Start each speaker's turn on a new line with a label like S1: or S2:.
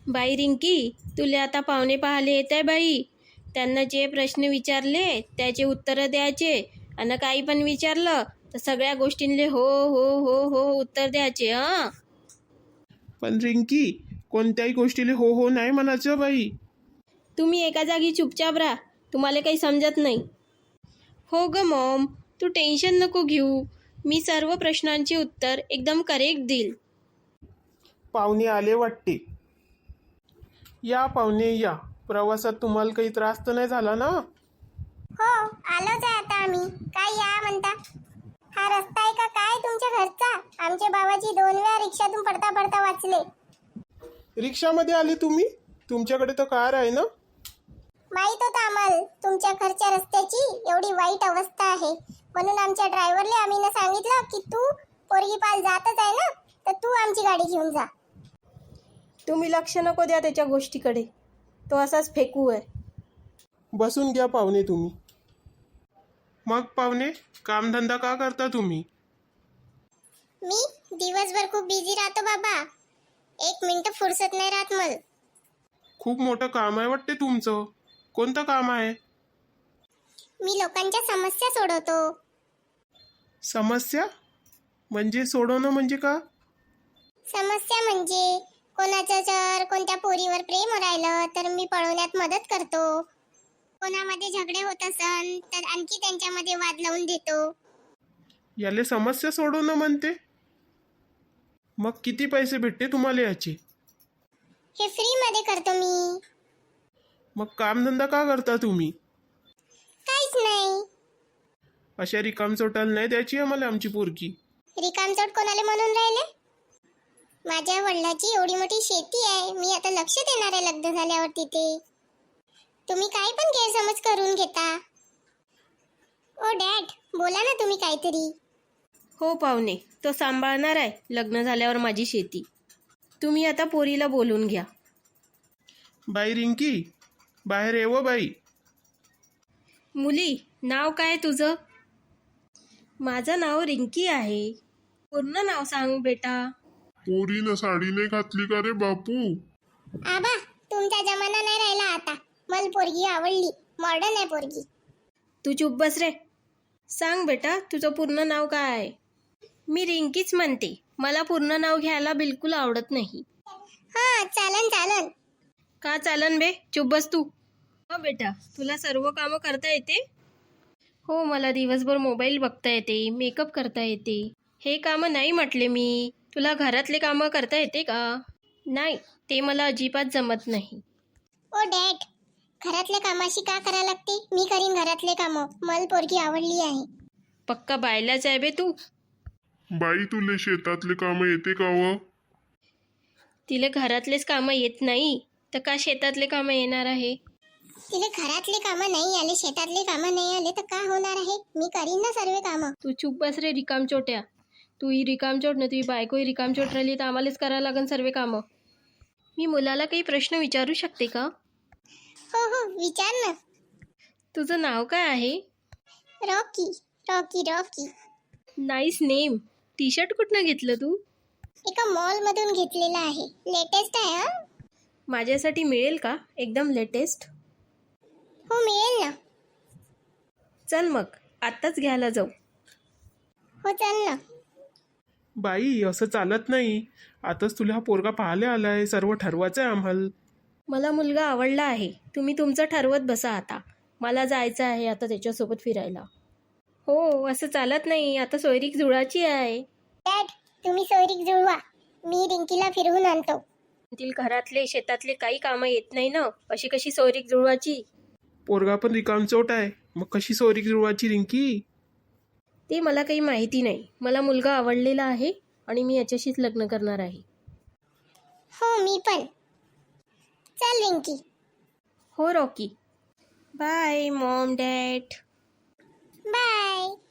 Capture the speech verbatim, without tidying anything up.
S1: बाई रिंकी, तुला आता पाहुणे पाहायला येत आहे बाई. त्यांना जे प्रश्न विचारले त्याचे उत्तरं द्यायचे, आणि काही पण विचारलं तर सगळ्या गोष्टींले हो हो हो हो उत्तर द्यायचे. हां,
S2: पण रिंकी, कोणत्याही गोष्टीला हो हो नाही म्हणायचं बाई.
S1: तुम्ही एका जागी चुपचाप राहा, तुम्हाला काही समजत नाही. हो ग मॉम, तू टेन्शन नको घेऊ, मी सर्व प्रश्नांची उत्तर एकदम करेक्ट देईल.
S2: पाहुणे आले वाटते. या पाहुणे या. प्रवासात तुम्हाला काही त्रास तर नाही झाला ना?
S3: हो, आलोच आहे आता आम्ही. काय या म्हणता? हा रस्ता आहे का काय तुमच्या घरचा? आमच्या बाबाजी दोन वेळा रिक्षातून पडता पडता वाचले.
S2: रिक्षामध्ये आले तुम्ही? तुमच्याकडे तर कार आहे ना?
S3: माहित होतं आम्हाला तुमच्या घरच्या रस्त्याची एवढी वाईट अवस्था आहे, म्हणून आमच्या ड्रायव्हरले आम्ही ना सांगितलं की तू पोरगी पाल जातच आहे ना, तर तू आमची गाडी घेऊन जा.
S1: तुम्ही लक्ष नको द्या त्याच्या गोष्टीकडे, तो असाच फेकू आहे.
S2: बसून घ्या पाहुणे तुम्ही. मग पाहुणे, कामधंदा का करता तुम्ही?
S3: मी दिवसभर खूप बिझी राहतो बाबा, एक मिनिट फुरसत नाही राहत मला.
S2: खूप मोठं काम आहे वाटते तुमचं. कोणतं काम आहे?
S3: मी लोकांच्या समस्या सोडवतो.
S2: समस्या म्हणजे सोडवणं म्हणजे का?
S3: समस्या म्हणजे कोणाचं जर कोणत्या पोरीवर प्रेम राहिलं तर मी पळवण्यात मदत करतो. कोणामध्ये झगडे होत असन तर आणखी त्यांच्यामध्ये वाद लावून देतो.
S2: याले समस्या सोडवणं म्हणते? मग किती पैसे भेटते तुम्हाला याचे?
S3: हे फ्री मध्ये करतो मी.
S2: मग कामधंदा का करता तुम्ही?
S3: काहीच नाही.
S2: अशा रिकामचोटाला नाही द्यायची आम्हाला आमची पोरगी.
S3: रिकामचोट कोणाला म्हणून राहिले? माझ्या वडिलाची एवढी मोठी शेती आहे, मी आता लक्ष देणार आहे लग्न झाल्यावर तिथे. तुम्ही काय पण गैरसमज करून घेता. ओ डॅड, बोला ना तुम्ही काहीतरी.
S1: हो पाहुणे, तो सांभाळणार आहे लग्न झाल्यावर माझी शेती. तुम्ही आता पोरीला बोलून घ्या.
S2: बाई रिंकी, बाहेर येव बाई.
S1: मुली, नाव काय तुझं? माझं नाव रिंकी आहे. पूर्ण नाव सांग बेटा.
S4: पोरीनं साडी नाही घातली का रे बापू?
S3: आबा, तुमचा जमाना नाही राहिला आता. मला पोरगी आवडली, मॉडर्न आहे पोरगी.
S1: तू चुप बस रे. सांग बेटा, तुझं पूर्ण नाव काय आहे? मी रिंकीच म्हणते, मला पूर्ण नाव घ्यायला बिलकुल आवडत नाही.
S3: हा, चालन चालन.
S1: का चालन बे, चुप बस तू. हो बेटा, तुला सर्व कामं करता येते? हो, मला दिवसभर मोबाईल बघता येते, मेकअप करता येते. हे कामं नाही म्हटले मी. तुला घरातले कामं करता येते का? नाही, ते मला अजिबात जमत नाही.
S3: ओ डॅड, घरातल्या कामाशी का करा लागते? मी करीन घरातले कामं. मला पोरगी आवडली आहे.
S1: पक्का बायलाच आहे बे तू.
S4: बाई, तुले शेतातले काम येते का व?
S1: तिला घरातलेच कामं येत नाही तर का शेतातले कामं येणार आहे?
S3: तिला घरातले कामं नाही आले, शेतातले कामं नाही आले तर का होणार आहे? मी करीन ना सर्व कामं.
S1: तू चुप बस रे रिकामचोट्या. तू ही रिकामचोट ना, तुझी बायकोही रिकामचोट राहिली तर आम्हालाच करायला लागेल सर्व कामं. मी मुलाला काही प्रश्न विचारू शकते का?
S3: हो हो, विचार ना.
S1: तुझं नाव काय आहे?
S3: Rocky, Rocky, Rocky.
S1: Nice name. T shirt कुठनं घेतलं तू?
S3: एका मॉल मधून घेतलेला आहे, लेटेस्ट आहे. हा,
S1: माझ्यासाठी मिळेल का एकदम लेटेस्ट?
S3: हो मिळेल ना.
S1: चल मग, आत्ताच घ्यायला जाऊ.
S3: हो चल ना.
S2: बाई, असं चालत नाही. आताच तुला हा पोरगा पाहायला आलाय, सर्व ठरवायचं आहे आम्हाला.
S1: मला मुलगा आवडला आहे, तुम्ही तुमचं ठरवत बसा आता. मला जायचं आहे आता त्याच्यासोबत फिरायला. हो, असं चालत नाही, आता सोयरीक जुळाची आहे.
S3: डॅड, तुम्ही सोयरीक जुळवा, मी रिंकीला फिरवून आणतो.
S1: तील घरातले शेतातले काही कामं येत नाही ना, अशी कशी सोयरीक जुळवाची?
S2: पोरगा पण रिकामचोट आहे, मग कशी सोयरीक जुळवायची रिंकी?
S1: ते मला काही माहिती नाही. मला मुलगा आवडलेला आहे आणि मी याच्याशीच लग्न करणार आहे.
S3: हो, मी पण. चल रिंकी.
S1: हो Rocky. Bye mom dad.
S3: Bye.